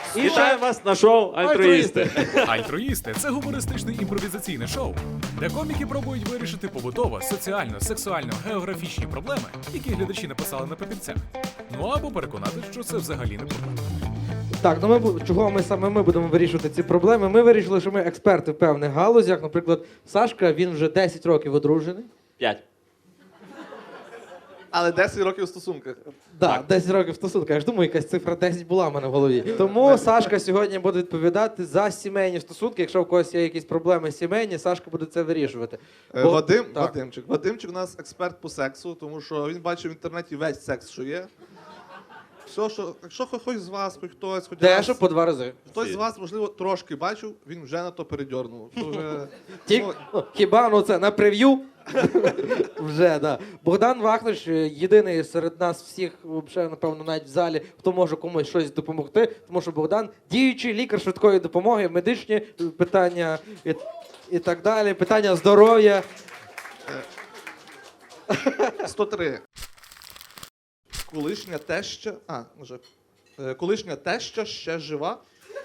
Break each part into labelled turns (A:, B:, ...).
A: І ще
B: вас на шоу «Альтруїсти».
C: Альтруїсти це гумористичне імпровізаційне шоу, де коміки пробують вирішити побутово, соціально, сексуально, географічні проблеми, які глядачі написали на папірцях. Ну або переконати, що це взагалі не проблема.
A: Так, ну чого ми будемо вирішувати ці проблеми? Ми вирішили, що ми експерти в певних галузях. Наприклад, Сашка, він вже 10 років одружений.
B: 5.
D: Але 10 років у стосунках.
A: Так, 10 років в стосунках. Я ж думаю, якась цифра 10 була в мене в голові. Тому Сашка сьогодні буде відповідати за сімейні стосунки. Якщо в когось є якісь проблеми сімейні, Сашка буде це вирішувати.
D: Вадимчик у нас експерт по сексу, тому що він бачив в інтернеті весь секс, що є. Все, що, якщо хоч з вас, хоч хтось, хоч
A: Дещо по 2 рази.
D: хтось з вас, можливо, трошки бачив, він вже на то передьорнув. То вже...
A: Хіба це на прев'ю? Вже, да. Богдан Вахнич єдиний серед нас всіх, взагалі, напевно, навіть в залі, хто може комусь щось допомогти, тому що Богдан діючий лікар швидкої допомоги, медичні питання і так далі, питання здоров'я.
D: 103. Колишня теща ще жива.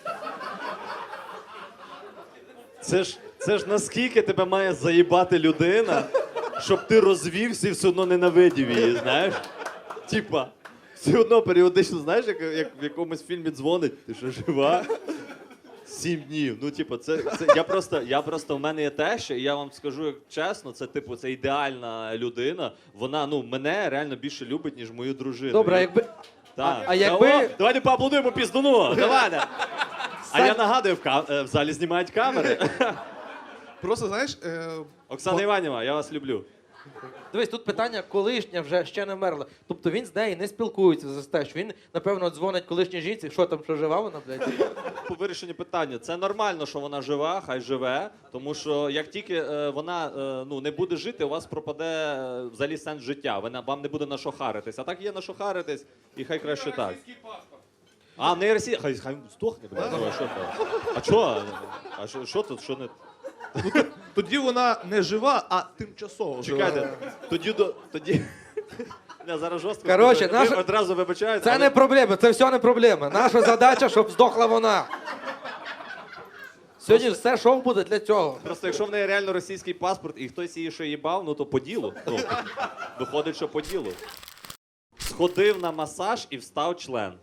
B: Це ж наскільки тебе має заїбати людина, щоб ти розвівся і все одно ненавидів її, знаєш? Типа, все одно періодично, знаєш, як в якомусь фільмі дзвонить, ти що жива? 7 днів. Ну, типу, я просто в мене є теща, і я вам скажу чесно, це типу, це ідеальна людина. Вона, мене реально більше любить, ніж мою дружину.
A: Добре, якби...
B: Так.
A: А якби...
B: Давайте поаплодуємо піздуну, давайте. А я нагадую, в залі знімають камери.
D: Просто, знаєш...
B: Оксана Іванівна, я вас люблю.
A: Дивись, тут питання колишня вже ще не вмерла. Тобто він з нею не спілкується за те, що він, напевно, дзвонить колишній жінці, що там, що жива вона, блядь?
B: По вирішенню питання. Це нормально, що вона жива, хай живе, тому що як тільки вона не буде жити, у вас пропаде взагалі сенс життя. Вам не буде на що харитись. А так є на що харитись, і хай краще так. А, не Росія. Хай здохне, блядь. Ну, а що там? А чого? А що тут, що не...
D: Тоді вона не жива, а тимчасово жива.
B: Чекайте, тоді... Я зараз жорстко
A: Короче,
B: скажу. Одразу вибачаюсь.
A: Це не проблема, це все не проблема. Наша задача, щоб здохла вона. Сьогодні все шоу буде для цього.
B: Просто якщо в неї реально російський паспорт і хтось її ще їбав, то по ділу. Виходить, що по ділу. Сходив на масаж і встав член.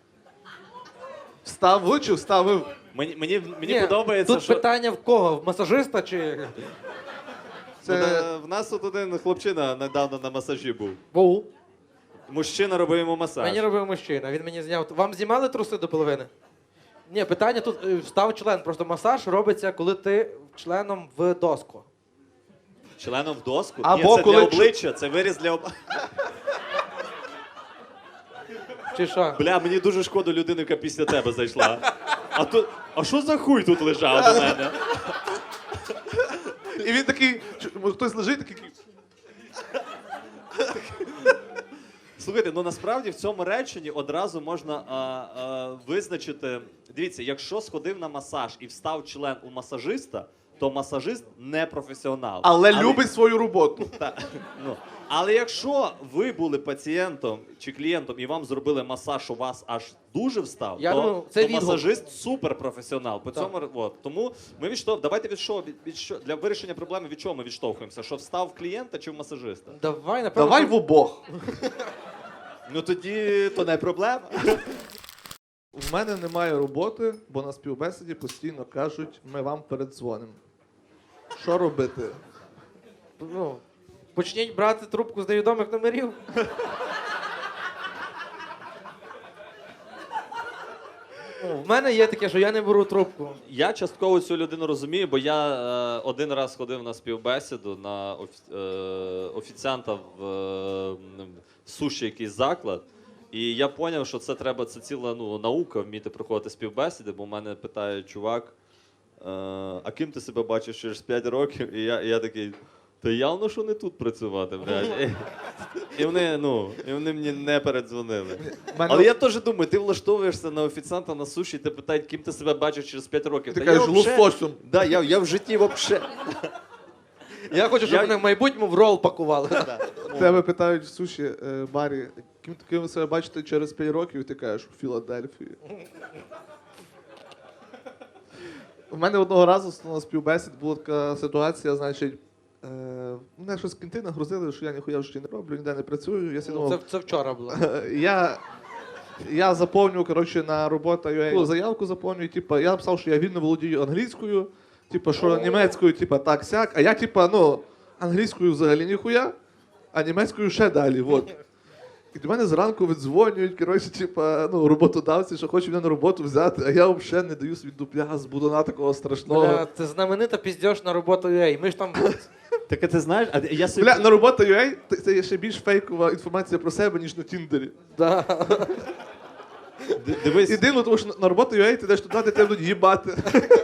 D: Вставив чи вставив?
B: Мені
A: Ні,
B: подобається,
A: тут
B: що...
A: питання в кого? В масажиста чи...
B: В нас тут один хлопчина недавно на масажі був.
A: Був.
B: Мужчина робив йому масаж.
A: Мені робив мужчина, він мені зняв. Вам знімали труси до половини? Ні, питання тут встав член. Просто масаж робиться, коли ти членом в доску.
B: Членом в доску?
D: Або
B: Ні, це
D: коли
B: для обличчя, це виріз для обличчя.
A: Чи що?
B: Бля, мені дуже шкода людини, яка після тебе зайшла. А що за хуй тут лежав у мене?
D: І він такий, хтось лежить, такий...
B: Слухайте, насправді в цьому реченні одразу можна визначити... Дивіться, якщо сходив на масаж і встав член у масажиста, то масажист не професіонал.
D: Але любить свою роботу.
B: Але якщо ви були пацієнтом чи клієнтом і вам зробили масаж, у вас аж дуже встав,
A: Я
B: то,
A: думаю, це
B: то
A: відгук.
B: масажист суперпрофесіонал. Тому ми давайте для вирішення проблеми від чого ми відштовхуємося? Що встав в клієнта чи в масажиста?
A: Давай, напевно.
D: Давай в обох.
B: Ну тоді то не проблема.
D: В мене немає роботи, бо на співбесіді постійно кажуть, ми вам передзвонимо. Що робити?
A: Почніть брати трубку з невідомих номерів. В мене є таке, що я не беру трубку.
B: Я частково цю людину розумію, бо я один раз ходив на співбесіду на офіціанта в суші якийсь заклад. І я зрозумів, що це ціла наука, вміти проходити співбесіди, бо в мене питає чувак, а ким ти себе бачиш через 5 років? І я такий, та явно, що не тут працювати, блядь. І вони мені не передзвонили. Але я теж думаю, ти влаштовуєшся на офіціанта на суші, і ти питають, ким ти себе бачиш через 5 років.
D: Ти кажеш, лососем.
B: Да, я в житті взагалі.
A: Я хочу, щоб вони в майбутньому в рол пакували.
D: Тебе питають в суші барі, ким ви себе бачите через 5 років, і ти кажеш, у Філадельфії. У мене одного разу на співбесід була така ситуація, значить, мене щось кінти нагрузили, що я ніхуя в житті не роблю, ніде не працюю. Я
A: Це,
D: думав,
A: це вчора було.
D: я заповнюю, коротше, на робота.ua заявку заповнюю, типу, я написав, що я вільно володію англійською, типу, що німецькою, типу, так-сяк, а я, типу, ну, англійською взагалі ніхуя, а німецькою ще далі, от. І до мене зранку віддзвонюють, коротше, типа, ну, роботодавці, що хочуть мене на роботу взяти, а я взагалі не даю собі дупля з будуна такого страшного.
A: Бля, це знаменита піздьош на роботу UA. Ми ж там
B: Так а ти знаєш, а я собі...
D: Бля, на робота.ua це є ще більш фейкова інформація про себе, ніж на Тіндері.
A: да.
B: Дивись,
D: І дивно, тому що на робота.ua ти йдеш туди, де тебе будуть їбати.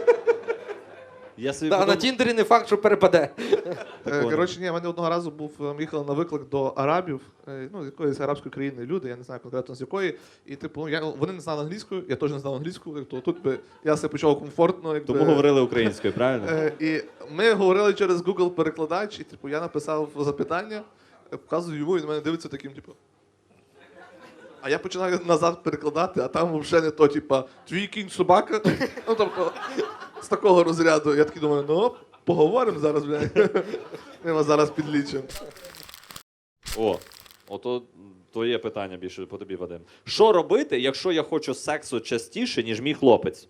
B: я собі
A: Да, на
B: подумав-
A: Тіндері не факт, що перепаде.
B: Такого.
D: Коротше, ні, в мене одного разу ми їхали на виклик до арабів, ну, з якоїсь арабської країни люди, я не знаю конкретно з якої. І типу, вони не знали англійською, я теж не знав англійську, то тут би я себе почував комфортно. Якби,
B: Тому говорили українською, правильно?
D: І ми говорили через Google перекладач, і типу, я написав запитання, показую йому, він на мене дивиться таким, типу. А я починаю назад перекладати, а там взагалі не то, типа, твій кінь собака. Ну, тобто, з такого розряду. Я такий думаю, ну, поговоримо зараз, блядь. Ми вас зараз підлічимо.
B: Ото твоє питання більше по тобі, Вадим. Що робити, якщо я хочу сексу частіше, ніж мій хлопець?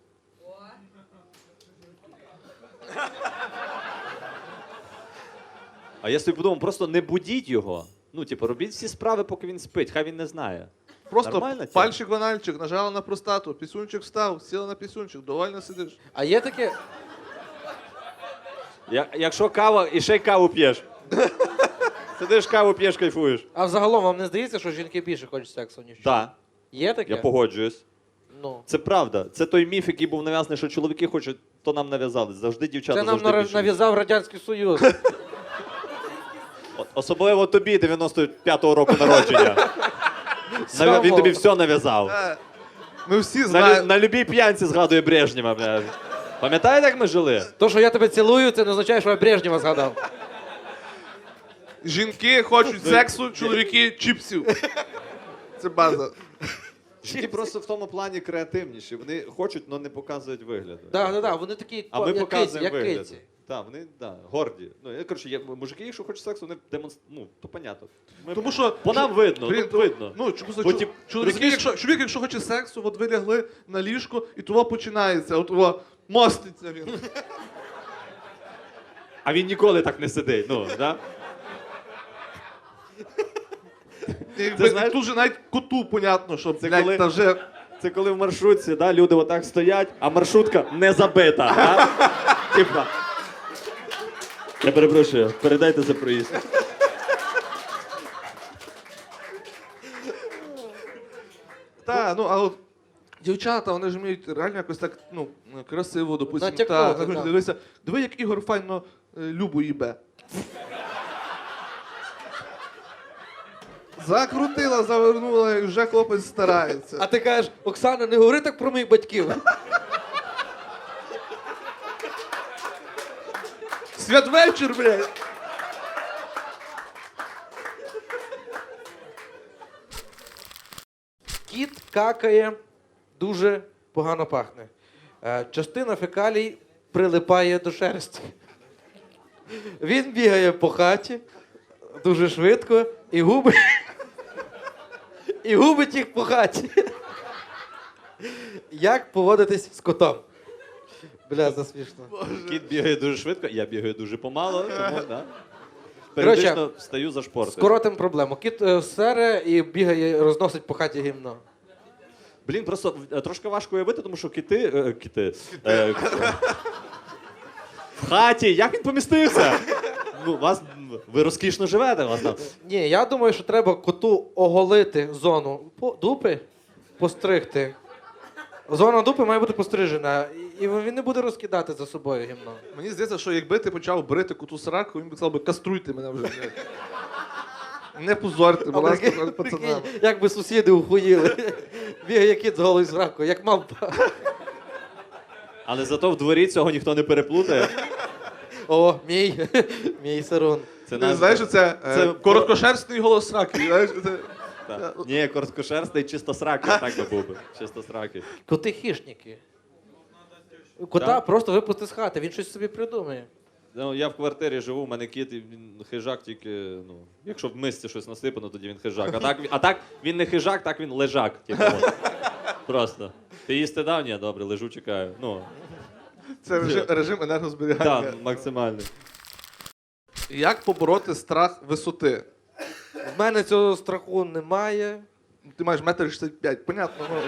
B: А я собі подумав, просто не будіть його. Ну, типу, робіть всі справи, поки він спить, хай він не знає.
D: Просто
B: Нормально це?
D: пальчик в анальчик, нажала на простату, пісюнчик встав, сіла на пісюнчик, довольно сидиш.
A: А є таке.
B: Якщо кава, і ще й каву п'єш. Сидиш, каву п'єш, кайфуєш.
A: А взагалом вам не здається, що жінки більше хочуть сексу, ніж чоловіки?
B: Так,
A: Є таке?
B: я погоджуюсь.
A: Ну.
B: Це правда. Це той міф, який був нав'язаний, що чоловіки хочуть, то нам нав'язали. Завжди дівчата
A: Це нам
B: завжди більше.
A: нав'язав Радянський Союз.
B: Особливо тобі, 95-го року народження.
A: Слава
B: Він тобі
A: Богу.
B: все нав'язав.
D: Ми всі
B: На,
D: знаємо.
B: на любій п'янці згадує Брежнєва. Бля. Пам'ятаєте, як ми жили?
A: То, що я тебе цілую, це не означає, що я Брежнєва згадав.
D: Жінки хочуть сексу, чоловіки чіпсів. Це база.
B: Жінки просто в тому плані креативніші. Вони хочуть, але не показують вигляду.
A: Да. Вони такі,
B: А ми
A: як киці,
B: показуємо
A: як
B: вигляд.
A: киці.
B: Так, вони горді. Ну, коротше, мужики, якщо хочуть сексу, вони демонструють. Ну, то понятно.
D: Тому що
B: По нам видно,
D: Блін,
B: ну, видно.
D: Ну, чому
B: Бо, тип,
D: чоловік, якщо хоче сексу, от ви лягли на ліжко, і того починається, от того моститься він.
B: А він ніколи так не сидить. Ну, да?
D: Якби,
B: знаєш-
D: тут же навіть коту понятно, що
B: Це
D: блядь,
B: коли-
D: та вже
B: Це коли в маршрутці, да, люди отак стоять, а маршрутка не забита. Да? Типа. Я перепрошую, передайте за проїзд.
D: Та, ну, а от дівчата, вони ж вміють реально якось так, ну, красиво, допустим.
A: Натякнути,
D: Та,
A: так.
D: дивися, диви, як Ігор файно Любу їбе. Закрутила, завернула, і вже хлопець старається.
A: А ти кажеш, Оксана, не говори так про моїх батьків.
D: Святвечір, блядь!
A: Кіт какає, дуже погано пахне. Частина фекалій прилипає до шерсті. Він бігає по хаті дуже швидко і губить, і губить їх по хаті. Як поводитись з котом? Бля, засмішно.
B: Кіт бігає дуже швидко, я бігаю дуже помало, тому да. Періодично встаю за шпортою.
A: Скоротим проблему. Кіт сере і бігає, розносить по хаті гімно.
B: Блін, просто трошки важко уявити, тому що кіти. В хаті, як він помістився? Ну, ви розкішно живете, у вас там.
A: Ні, я думаю, що треба коту оголити зону дупи, постригти. Зона дупи має бути пострижена, і він не буде розкидати за собою гімно.
D: Мені здається, що якби ти почав брити коту сраку, він би сказав би, каструйте мене вже. блядь. Не позорте, будь ласка, перед пацанами.
A: Як би сусіди ухуїли. Бігає кіт з голою зраку, як мавпа.
B: Але зато в дворі цього ніхто не переплутає.
A: О, мій сарун.
B: Це
D: Ти знаєш, що це
B: це-
D: короткошерстний голос сраки. Знаєш, це...
B: Так. Ні, короткошерстий, чисто сракий, так би був би. Чисто сракий.
A: Коти хищники. Кота
B: Так.
A: просто випусти з хати, він щось собі придумає.
B: Ну, я в квартирі живу, у мене кіт, і він хижак тільки, ну, якщо в мисці щось насипано, тоді він хижак. А так він не хижак, так він лежак. Типу, от. Просто. Ти їсти дав? Ні, добре, лежу, чекаю. Ну,
D: Це режим енергозберігання.
B: так, максимальний.
D: Як побороти страх висоти?
A: В мене цього страху немає.
D: Ти маєш 1,65 м, понятно. Ну,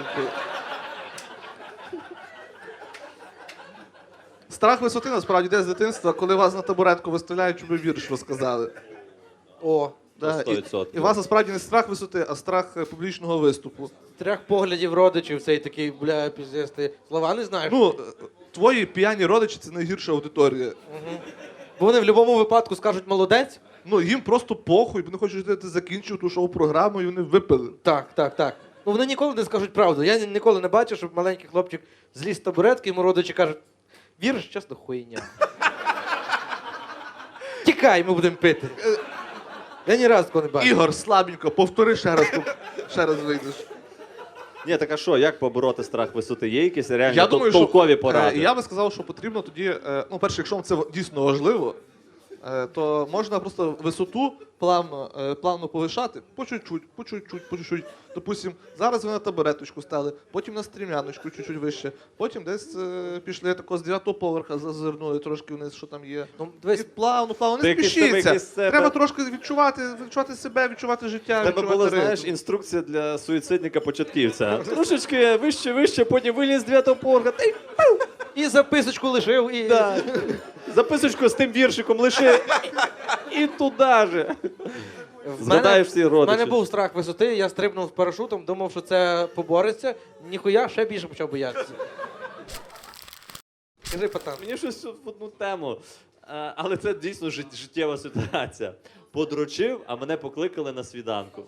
D: страх висоти насправді йде з дитинства, коли вас на табуретку виставляють, щоб ви вірш розказали.
A: О,
D: Да, і,
B: 100%.
D: і у вас насправді не страх висоти, а страх публічного виступу.
A: з трьох поглядів родичів цей такий, бля, піздець, ти слова не знаєш?
D: Ну, твої п'яні родичі це найгірша аудиторія.
A: Бо вони в будь-якому випадку скажуть молодець.
D: Ну, їм просто похуй, вони хочуть, щоб ти закінчив ту шоу-програму, і вони випили.
A: Так. Ну вони ніколи не скажуть правду. Я ніколи не бачив, щоб маленький хлопчик зліз з табуретки, йому родичі кажуть, віриш, чесно, хуйня. Тікай, ми будемо пити. Я ні разу такого не бачив.
D: Ігор, слабенько, повтори ще раз, ще раз вийдеш.
B: Ні, так а що, як побороти страх висоти? Є якісь реально
D: Я думаю,
B: толкові поради?
D: Я би сказав, що потрібно тоді, ну, перше, якщо вам це дійсно важливо, то можна просто висоту плавно повишати по чуть-чуть. Допустим, зараз ви на табуреточку стали, потім на стрімяночку чуть-чуть вище, потім десь пішли тако з 9-го поверха, зазирнули трошки вниз, що там є.
A: Ну, дивись,
D: І плавно,
B: Ти
D: не
B: якийсь
D: спішіться.
B: якийсь себе-
D: Треба трошки відчувати себе, відчувати життя,
B: У тебе
D: відчувати
B: була,
D: ритм.
B: знаєш, інструкція для суїцидника-початківця. Трошечки вище, потім виліз з 9-го поверха. Та й
A: і записочку лишив, і...
B: да. Записочку з тим віршиком лиши. І туди же. Згадаєш всі
A: В
B: родичі.
A: мене був страх висоти, я стрибнув парашутом, думав, що це побореться. Ніхуя, ще більше почав боятися. Скажи, пацан.
B: Мені щось в одну тему. Але це дійсно життєва ситуація. Подрочив, а мене покликали на свіданку.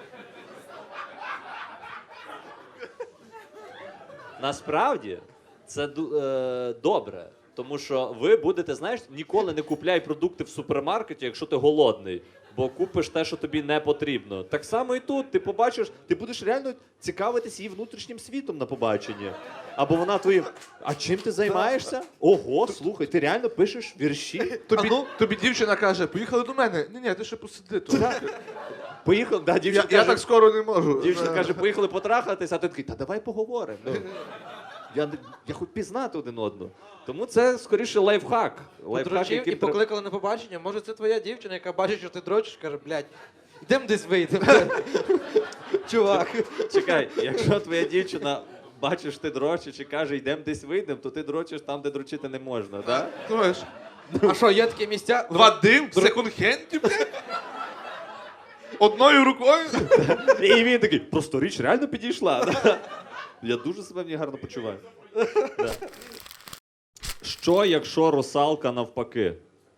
B: Насправді, це добре. Тому що ви будете, знаєш, ніколи не купляй продукти в супермаркеті, якщо ти голодний, бо купиш те, що тобі не потрібно. Так само і тут. Ти побачиш, ти будеш реально цікавитись її внутрішнім світом на побаченні. Або вона твоїм. А чим ти займаєшся? Ого, слухай, ти реально пишеш вірші?
D: Тобі дівчина каже, поїхали до мене. Ні, ти ще посиди тут.
B: Поїхали, да, дівчина
D: Я
B: каже,
D: так скоро не можу.
B: дівчина каже, поїхали потрахатись, а ти такий, та давай поговоримо. Ну. Я хоч пізнати один одного. Тому це скоріше лайфхак.
A: Подрочив і
B: яким
A: покликали на побачення. Може, це твоя дівчина, яка бачить, що ти дрочиш, каже, блядь, йдемо десь вийдемо. Чувак.
B: Чекай, якщо твоя дівчина бачиш, ти дрочиш і каже, йдемо десь вийдемо, то ти дрочиш там, де дрочити не можна, так?
D: Знаєш,
A: А що, є такі місця?
D: Вадим в секонд-хенді, блядь? Одною рукою?
B: І він такий, просто річ реально підійшла. Да? Я дуже себе в ній гарно почуваю. Да. Що, якщо русалка навпаки?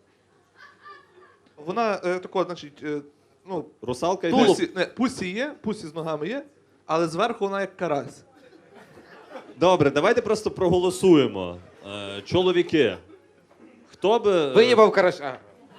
D: Вона тако, значить, ну,
B: Русалка йде.
D: пусі з ногами є, але зверху вона як карась.
B: Добре, давайте просто проголосуємо. Чоловіки. Хто би.
A: Виїбав караша.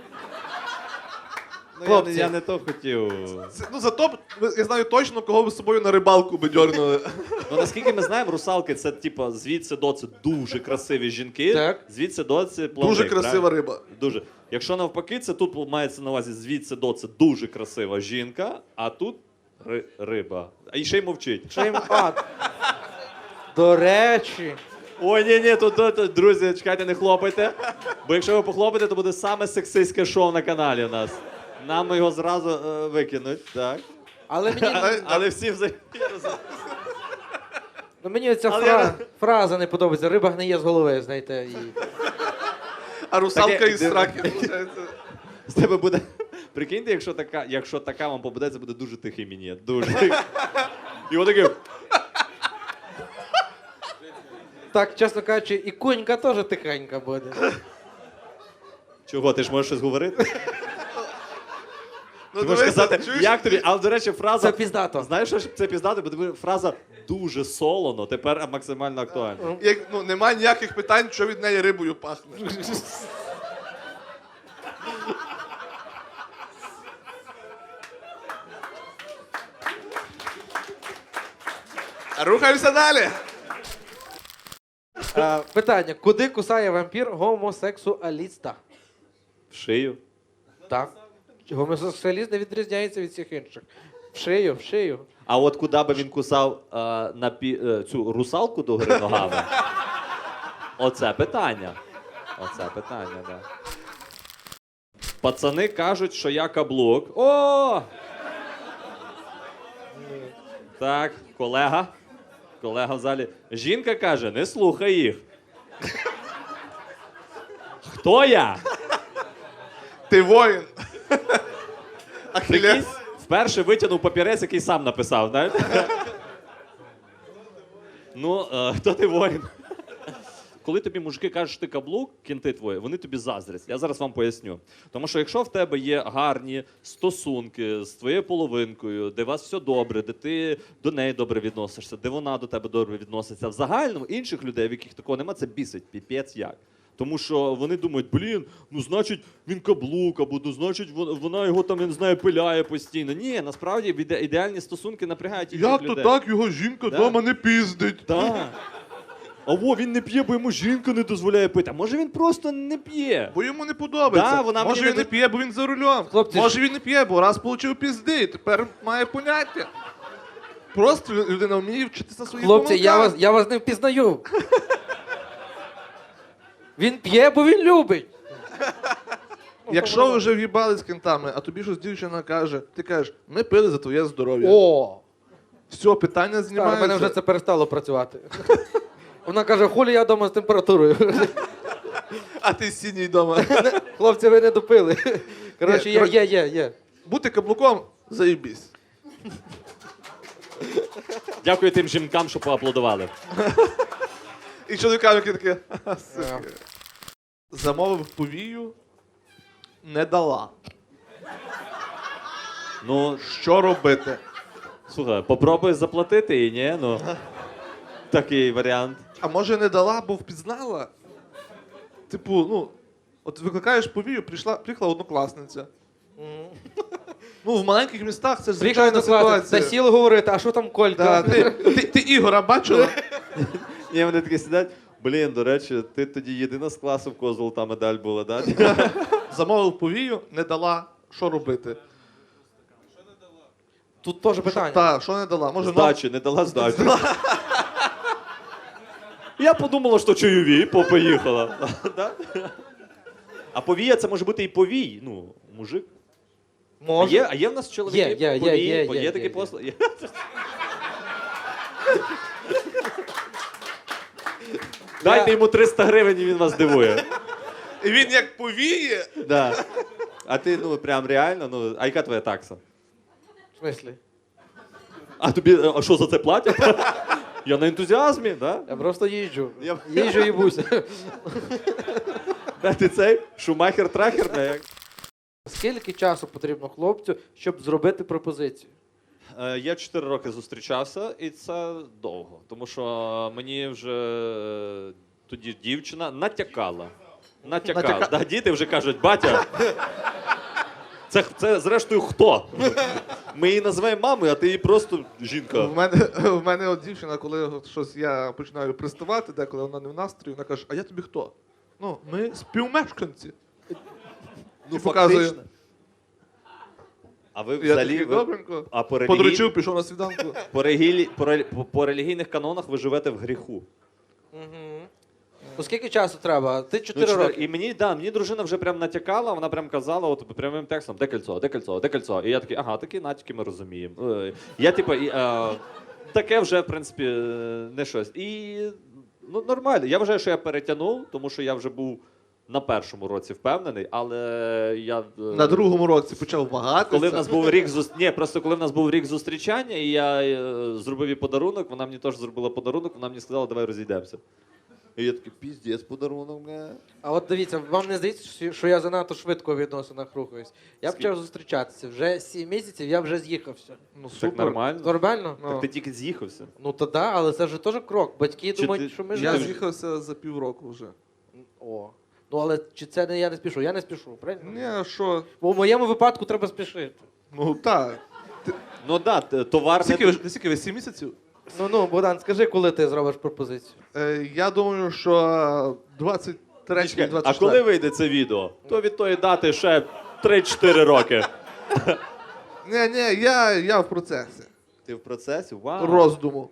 B: Ну,
A: хлопці.
B: я не то хотів.
D: Ну зато я знаю точно, кого ви з собою на рибалку би дьорнули.
B: Ну наскільки ми знаємо, русалки це типа звідси до це дуже красиві жінки.
A: Так.
B: Звідси до це плавник.
D: Дуже красива риба.
B: Дуже. Якщо навпаки, це тут мається на увазі звідси до це дуже красива жінка, а тут риба. А і ще й мовчить.
A: Що їм... До речі.
B: Ой, ні, тут, друзі, чекайте, не хлопайте. Бо якщо ви похлопаєте, то буде саме сексистське шоу на каналі у нас. Нам його зразу викинуть, так.
A: Але мені,
B: Але всі взагалі.
A: ну, мені ця
B: Але
A: фраза не подобається. Риба гниє з голови, знаєте. І...
D: А русалка
B: Таке-
D: із сраки, виходить.
B: З тебе буде. Прикиньте, якщо така вам попадеться, буде дуже тихий мінет. Дуже. І отакий.
A: Так, чесно кажучи, і кунька теж тихенька буде.
B: Чого, ти ж можеш щось говорити?
D: Ну,
B: Ти можеш
D: дивися,
B: сказати,
D: чуєш?
B: як тобі? Але, до речі, фраза.
A: Це піздато.
B: Знаєш, що це піздато? Бо фраза дуже солоно, тепер максимально актуальна.
D: Ну, немає ніяких питань, що від неї рибою пахне. Рухаємося далі.
A: Питання. Куди кусає вампір гомосексуаліста?
B: В шию.
A: Так. Гомосексуаліст не відрізняється від всіх інших. В шию, в шию.
B: А от куди би він кусав цю русалку до гори ногами? Оце питання. Оце питання, да. Пацани кажуть, що я каблук. О! Так, колега. Колега в залі. Жінка каже, не слухай їх. Хто я?
D: Ти воїн. Ахілес.
B: Прикинь, вперше витягнув папірець, який сам написав, знаєш? Ну, хто ти воїн? Коли тобі мужики кажуть, що ти каблук, кінти твої, вони тобі заздрять. Я зараз вам поясню. Тому що якщо в тебе є гарні стосунки з твоєю половинкою, де у вас все добре, де ти до неї добре відносишся, де вона до тебе добре відноситься, в загальному інших людей, в яких такого немає, це бісить, піпець як. Тому що вони думають, блін, ну значить він каблук, або ну значить вона його там, я не знаю, пиляє постійно. Ні, насправді ідеальні стосунки напрягають інших
D: Як
B: людей.
D: то так його жінка
B: Да.
D: вдома не піздить?
B: Так. А во, він не п'є, бо йому жінка не дозволяє пити. А може він просто не п'є?
D: Бо йому не подобається.
B: Да, вона
D: Може
B: мені
D: він
B: не
D: не п'є, бо він за рулем.
A: Хлопці,
D: Може він не п'є, бо раз получив пізди, і тепер має поняття. Просто людина вміє вчитися своїх
A: Хлопці, я вас не впізнаю. Він п'є, бо він любить.
D: Якщо ви вже в'їбали з кентами, а тобі щось дівчина каже, ти кажеш, ми пили за твоє здоров'я.
A: О!
D: Все, питання
A: Так, у
D: знімається.
A: мене вже це перестало працювати. Вона каже, хулі я вдома з температурою.
D: А ти сіній вдома.
A: Хлопці, ви не допили. Коротше,
D: Ні,
A: є.
D: Бути каблуком – заєбісь.
B: Дякую тим жінкам, що поаплодували.
D: І чоловікам, які такі, «Ха, суки». Замовив повію, не дала.
B: Ну,
D: Що робити?
B: слухай, попробуй заплатити її, ні? Ну, такий варіант.
D: А може не дала, бо впізнала? Типу, ну, от викликаєш повію, приїхала однокласниця. Ну, в маленьких містах це ж
A: Приїхали
D: звичайна
A: до класу, та
D: ситуація.
A: сіли говорити, а що там Колька?
D: Да, ти Ігора бачила?
B: Ні, вони такі сидять. Блін, до речі, ти тоді єдина з класу, в кого золота медаль була, да?
D: Замовив повію, не дала. Що робити?
A: Тут теж питання.
D: Так, що не дала? Може,
B: Здачі, не дала здачі. Я подумала, що чайові, поїхала. Да? А повія це може бути і повій. Ну, мужик.
A: Може.
B: А є в нас чоловіки?
A: Є
B: такі
A: є.
B: послуги? Є. Дайте йому 300 гривень, і він вас дивує.
D: І він як повіє.
B: Да. А ти, ну, прям реально, ну, а яка твоя такса?
A: В смислі?
B: А тобі, а що за це платять? Я на ентузіазмі, да?
A: Я просто їжджу.
B: Я-
A: Їжджу і буся.
B: Да, ти цей шумахер-трахер, не як?
A: Скільки часу потрібно хлопцю, щоб зробити пропозицію?
B: Я 4 роки зустрічався, і це довго. Тому що мені вже тоді дівчина натякала. Да, діти вже кажуть, батя. Це зрештою хто? Ми її називаємо мамою, а ти її просто жінка.
D: В мене от дівчина, коли щось я починаю приставати, деколи вона не в настрої, вона каже, а я тобі хто? Ну, ми співмешканці.
B: Ну,
D: І показує.
B: фактично. А ви
D: Я
B: взагалі.
D: такий, добренько.
B: А
D: Подручив, пішов на свіданку.
B: по релігійних канонах ви живете в гріху.
A: Ну скільки часу треба? Ти 4
B: чотири.
A: роки.
B: І мені дружина вже прям натякала, вона прям казала, от прямим текстом, де кольцо, де кольцо, де кольцо. І я такий, ага, такі натяки ми розуміємо. Я типу, таке вже, в принципі, не щось. І ну, нормально. Я вважаю, що я перетягнув, тому що я вже був на першому році впевнений, але я.
D: На другому році почав вагатися.
B: Коли в нас був рік просто коли в нас був рік зустрічання, і я зробив їй подарунок, вона мені теж зробила подарунок, вона мені сказала, давай розійдемося. І я такий, піздець, подарунок, бля.
A: А от дивіться, вам не здається, що я занадто швидко в відносинах рухаюсь? Я
B: Скільки?
A: почав зустрічатися. Вже 7 місяців я вже з'їхався.
D: Ну,
B: Так
D: супер.
B: нормально.
A: Нормально?
B: Так ти тільки з'їхався.
A: Ну то да, але це ж теж крок. Батьки
B: Чи
A: думають,
B: ти-
A: що ми
D: Я
A: живемо.
D: з'їхався за півроку вже.
A: О. Ну але чи це не я не спішу? Я не спішу, правильно?
D: Ні, а що?
A: Бо в моєму випадку треба спішити.
D: Ну так.
B: Ну так, товар
D: Скільки ви 7 місяців?
A: Ну, Богдан, скажи, коли ти зробиш пропозицію.
D: Я думаю, що 23-й,
B: Чекай,
D: 24-й.
B: а коли вийде це відео? То від тої дати ще 3-4 роки.
D: Ні, я в процесі.
B: Ти в процесі? Вау.
D: Роздуму.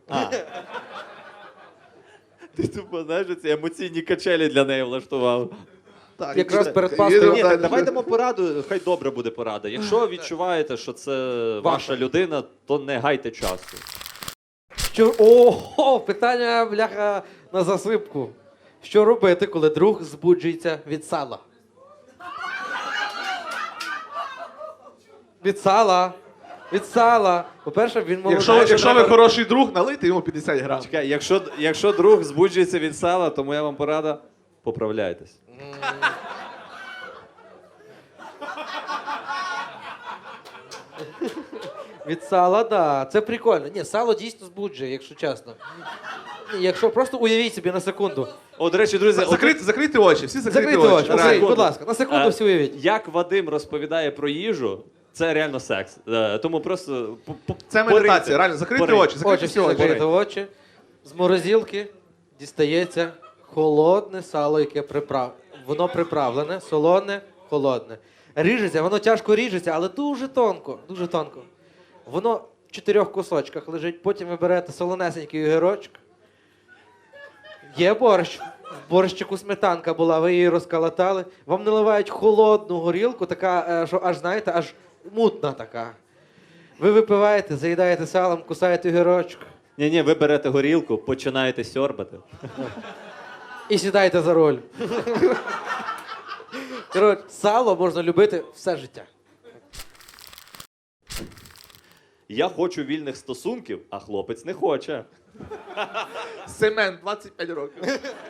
B: Ти тупо, знаєш, ці емоційні качелі для неї влаштував.
D: Так,
A: Якраз
D: і-
A: перед
D: і-
A: Пасхою.
D: і-
B: Ні,
D: далі.
B: так давай дамо пораду, хай добре буде порада. Якщо відчуваєте, що це ваша людина, то не гайте часу.
A: Що... Ого, питання, бляха, на засипку. Що робити, коли друг збуджується від сала? Від сала. Від сала. По-перше, він молодий.
D: Якщо ви хороший друг, налийте йому 50 грам.
B: Чекай, якщо друг збуджується від сала, то моя вам порада – поправляйтесь.
A: Від сала, да. Це прикольно. Ні, сало дійсно збуджує, якщо чесно. Ні, якщо просто уявіть собі на секунду.
B: О, до речі, друзі,
D: Закрийте очі, всі закрийте
A: Закрийте очі,
D: реально.
A: Окей, будь ласка, на секунду всі уявіть.
B: Як Вадим розповідає про їжу, це реально секс. Тому просто
D: Це медитація, реально, закрийте очі, закрийте
A: Очі
D: всі
A: всі
D: очі.
A: закрити очі. З морозилки дістається холодне сало, яке воно приправлене, солоне, холодне. Ріжеться, воно тяжко ріжеться, але дуже тонко, дуже тонко. Воно в 4 кусочках лежить, потім ви берете солонесенький огірочок. Є борщ. В борщику сметанка була, ви її розколотали. Вам наливають холодну горілку, така, що аж, знаєте, аж мутна така. Ви випиваєте, заїдаєте салом, кусаєте огірочок
B: Ні, ви берете горілку, починаєте сьорбати.
A: і сідаєте за роль. Коротше, сало можна любити все життя.
B: Я хочу вільних стосунків, а хлопець не хоче.
D: Семен, 25 років.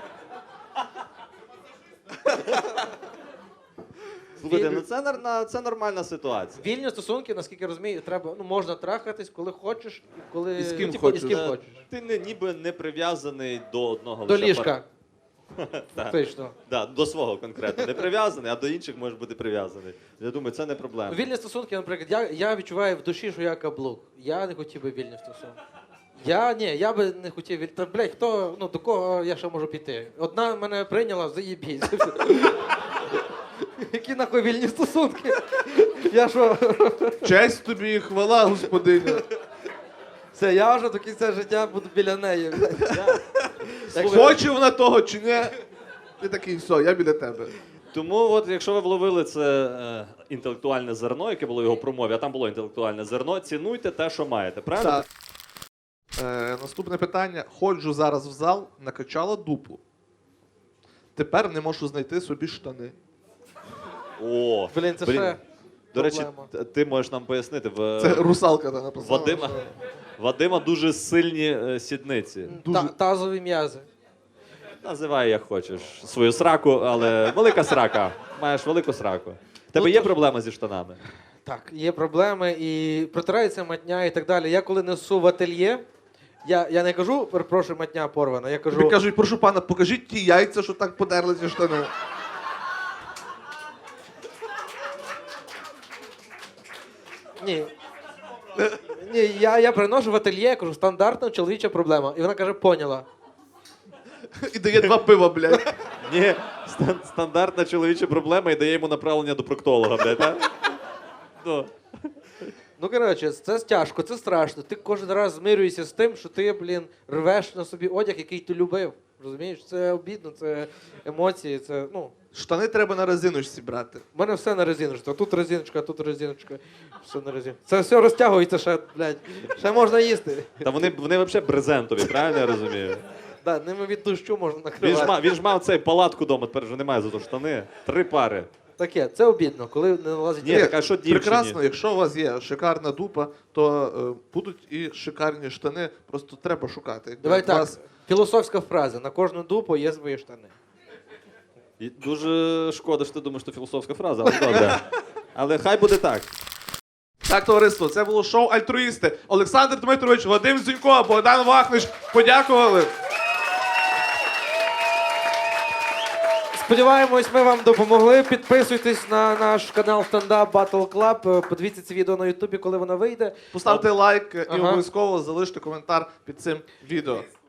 B: Слухайте, ну це нормальна ситуація.
A: Вільні стосунки, наскільки я розумію, треба, можна трахатись, коли хочеш, коли
D: І з ким
A: і з
D: хочеш.
A: ким хочеш.
B: Ти ніби не прив'язаний до одного
A: До
B: лише
A: ліжка.
B: Так.
A: Точно.
B: Да, до свого конкретно не прив'язаний, а до інших можеш бути прив'язаний. Я думаю, це не проблема.
A: Вільні стосунки, наприклад, я відчуваю в душі, що я каблук. Я не хотів би вільні стосунки. Я би не хотів вільні. Та, блядь, до кого я ще можу піти? Одна мене прийняла, заєбісь. Які нахуй вільні стосунки? Я що?
D: Честь тобі і хвала, господиня.
A: Все, я вже до кінця життя буду біля неї.
D: Хоче вона того чи ні? Ти такий, все, я біля тебе.
B: Тому, от, якщо ви вловили це інтелектуальне зерно, яке було в його промові, а там було інтелектуальне зерно, цінуйте те, що маєте. Правильно?
D: Так. Наступне питання. Ходжу зараз в зал, накачала дупу. Тепер не можу знайти собі штани.
B: О,
A: Блін, це ще
B: До речі,
A: проблема.
B: ти можеш нам пояснити.
D: Це русалка там написала.
B: Вадима дуже сильні сідниці.
A: Тазові м'язи.
B: Називай як хочеш свою сраку, але велика срака. Маєш велику сраку. В тебе є проблема зі штанами?
A: Так, є проблеми і протирається матня і так далі. Я коли несу в ательє, я не кажу, перепрошую, матня порвана, я кажу...
D: Тобі кажуть, прошу пана, покажіть ті яйця, що так подерли ці штани.
A: Ні. Ні, я приношу в ательє, кажу, стандартна чоловіча проблема. І вона каже, поняла.
D: І дає 2 пива, блядь.
B: Ні, стандартна чоловіча проблема і дає йому направлення до проктолога, блядь, так? Ну.
A: Ну, коротше, це тяжко, це страшно. Ти кожен раз змирюєшся з тим, що ти, рвеш на собі одяг, який ти любив. Розумієш? Це обідно, це емоції, це,
D: Штани треба на резиночці брати.
A: У мене все на резиночці. Тут резиночка, тут резиночка. Все на резиночці. Це все розтягується ще, блядь. Ще можна їсти.
B: Та вони взагалі брезентові, правильно я розумію?
A: Да, ними від дощу можна накривати.
B: Він ж мав цей палатку вдома, тепер вже немає зато штани. 3 пари.
A: Таке, це обідно, коли не налазить.
B: Ні, так а що дівчині?
D: Прекрасно, якщо у вас є шикарна дупа, то будуть і шикарні штани, просто треба шукати. Якби
A: Давай
D: у
A: так,
D: вас-
A: філософська фраза. На кожну дупу є свої штани.
B: І дуже шкода, що ти думаєш, що філософська фраза, але добре. Але хай буде так.
D: Так, товариство, це було шоу Альтруїсти. Олександр Дмитрович, Вадим Зінько, Богдан Вахнич подякували.
A: Сподіваємось, ми вам допомогли. Підписуйтесь на наш канал Stand-Up Battle Club. Подивіться це відео на Ютубі, коли воно вийде.
D: Поставте лайк і
A: Ага.
D: обов'язково залиште коментар під цим відео.